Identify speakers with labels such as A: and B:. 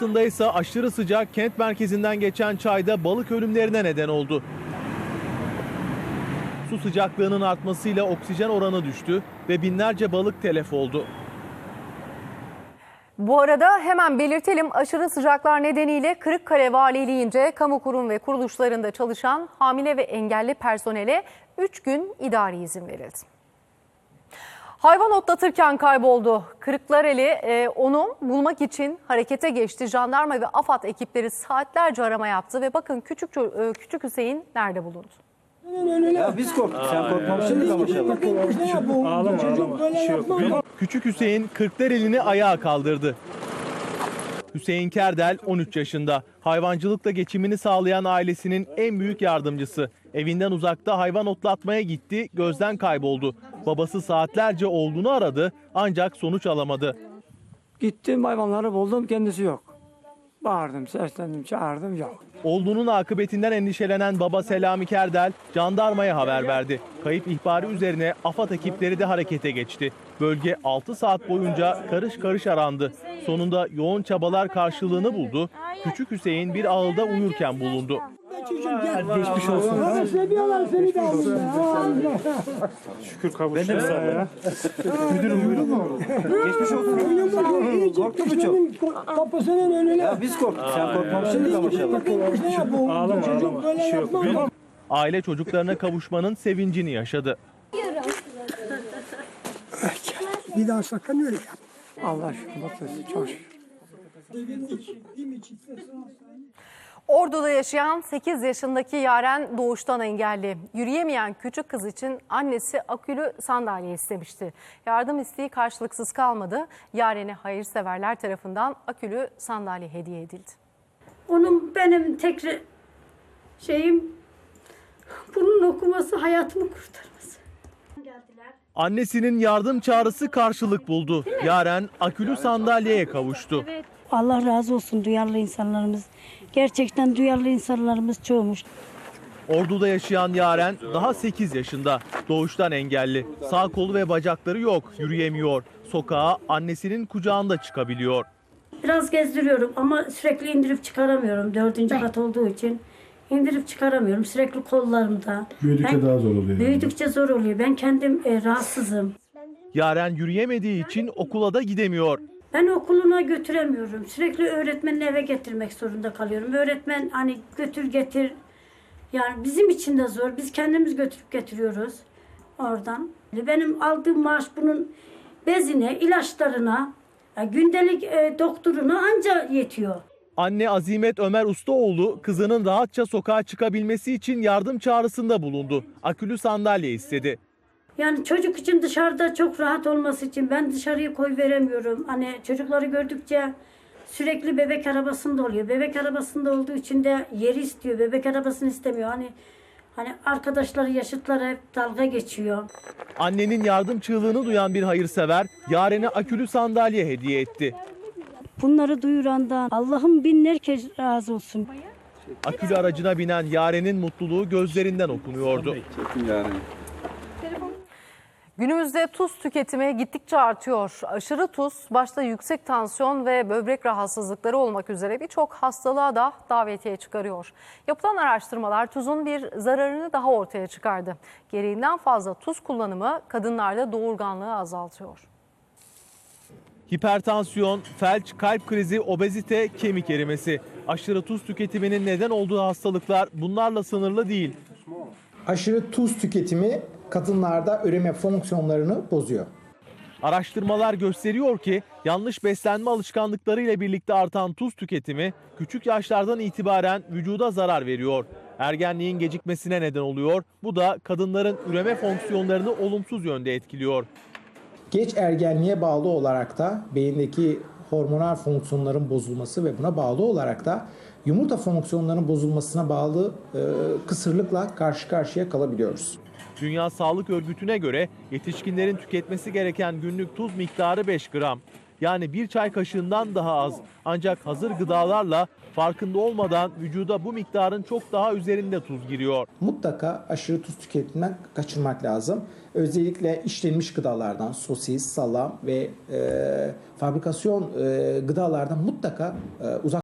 A: Aslında ise aşırı sıcak kent merkezinden geçen çayda balık ölümlerine neden oldu. Su sıcaklığının artmasıyla oksijen oranı düştü ve binlerce balık telef oldu.
B: Bu arada hemen belirtelim, aşırı sıcaklar nedeniyle Kırıkkale Valiliğince kamu kurum ve kuruluşlarında çalışan hamile ve engelli personele 3 gün idari izin verildi. Hayvan otlatırken kayboldu. Kırklareli onu bulmak için harekete geçti. Jandarma ve AFAD ekipleri saatlerce arama yaptı ve bakın küçük Hüseyin nerede bulundu?
C: Ya biz korktuk, sen korkmamışsın da maşallah.
D: Ağlama.
A: Küçük Hüseyin Kırklareli'ni ayağa kaldırdı. Hüseyin Kerdel 13 yaşında. Hayvancılıkla geçimini sağlayan ailesinin en büyük yardımcısı. Evinden uzakta hayvan otlatmaya gitti, gözden kayboldu. Babası saatlerce oğlunu aradı ancak sonuç alamadı.
C: Gittim hayvanları buldum, kendisi yok. Bağırdım, seslendim, çağırdım, yok.
A: Oğlunun akıbetinden endişelenen baba Selami Kerdel jandarmaya haber verdi. Kayıp ihbarı üzerine AFAD ekipleri de harekete geçti. Bölge 6 saat boyunca karış karış arandı. Sonunda yoğun çabalar karşılığını buldu. Küçük Hüseyin bir ağılda uyurken bulundu.
D: Geçmiş olsun.
E: Seviyorlar seni de
D: Şükür kavuştun ya. Müdürüm.
C: Geçmiş olsun. Korktu mu çok?
E: Kapısının önüne.
C: Ya biz korktuk, sen korkmamışsın da maşallah.
D: Ağlama. Bir şey yok.
A: Aile çocuklarına kavuşmanın sevincini yaşadı.
E: Bir daha sakın öyle yap.
C: Allah şükür, bakıyorsun, çok şükür.
B: Ordu'da yaşayan 8 yaşındaki Yaren doğuştan engelli. Yürüyemeyen küçük kız için annesi akülü sandalye istemişti. Yardım isteği karşılıksız kalmadı. Yaren'e hayırseverler tarafından akülü sandalye hediye edildi.
F: Onun benim tek şeyim bunun okuması, hayatımı kurtarması. Geldiler.
A: Annesinin yardım çağrısı karşılık buldu. Yaren akülü sandalyeye kavuştu.
G: Allah razı olsun duyarlı insanlarımız. Gerçekten duyarlı insanlarımız çoğumuş.
A: Ordu'da yaşayan Yaren daha 8 yaşında. Doğuştan engelli. Sağ kolu ve bacakları yok, yürüyemiyor. Sokağa annesinin kucağında çıkabiliyor.
F: Biraz gezdiriyorum ama sürekli indirip çıkaramıyorum. 4. kat olduğu için indirip çıkaramıyorum. Sürekli kollarımda.
H: Büyüdükçe daha zor oluyor.
F: Büyüdükçe zor oluyor. Ben kendim rahatsızım.
A: Yaren yürüyemediği için okula da gidemiyor.
F: Ben okuluna götüremiyorum. Sürekli öğretmenin eve getirmek zorunda kalıyorum. Öğretmen hani götür getir. Yani bizim için de zor. Biz kendimiz götürüp getiriyoruz oradan. Benim aldığım maaş bunun bezine, ilaçlarına, gündelik doktoruna anca yetiyor.
A: Anne Azimet Ömer Ustaoğlu kızının rahatça sokağa çıkabilmesi için yardım çağrısında bulundu. Akülü sandalye istedi.
F: Yani çocuk için dışarıda çok rahat olması için ben dışarıya koy veremiyorum. Hani çocukları gördükçe sürekli bebek arabasında oluyor. Bebek arabasında olduğu için de yeri istiyor. Bebek arabasını istemiyor. Hani arkadaşları, yaşıtları hep dalga geçiyor.
A: Annenin yardım çığlığını duyan bir hayırsever Yaren'e akülü sandalye hediye etti.
G: Bunları duyurandan Allah'ım binler kez razı olsun.
A: Akülü aracına binen Yaren'in mutluluğu gözlerinden okunuyordu.
B: Günümüzde tuz tüketimi gittikçe artıyor. Aşırı tuz başta yüksek tansiyon ve böbrek rahatsızlıkları olmak üzere birçok hastalığa da davetiye çıkarıyor. Yapılan araştırmalar tuzun bir zararını daha ortaya çıkardı. Gereğinden fazla tuz kullanımı kadınlarda doğurganlığı azaltıyor.
A: Hipertansiyon, felç, kalp krizi, obezite, kemik erimesi. Aşırı tuz tüketiminin neden olduğu hastalıklar bunlarla sınırlı değil.
I: Aşırı tuz tüketimi kadınlarda üreme fonksiyonlarını bozuyor.
A: Araştırmalar gösteriyor ki yanlış beslenme alışkanlıkları ile birlikte artan tuz tüketimi küçük yaşlardan itibaren vücuda zarar veriyor. Ergenliğin gecikmesine neden oluyor. Bu da kadınların üreme fonksiyonlarını olumsuz yönde etkiliyor.
I: Geç ergenliğe bağlı olarak da beyindeki hormonal fonksiyonların bozulması ve buna bağlı olarak da yumurta fonksiyonlarının bozulmasına bağlı kısırlıkla karşı karşıya kalabiliyoruz.
A: Dünya Sağlık Örgütü'ne göre yetişkinlerin tüketmesi gereken günlük tuz miktarı 5 gram. yani bir çay kaşığından daha az. Ancak hazır gıdalarla farkında olmadan vücuda bu miktarın çok daha üzerinde tuz giriyor.
I: Mutlaka aşırı tuz tüketiminden kaçırmak lazım. Özellikle işlenmiş gıdalardan, sosis, salam ve fabrikasyon gıdalardan mutlaka uzak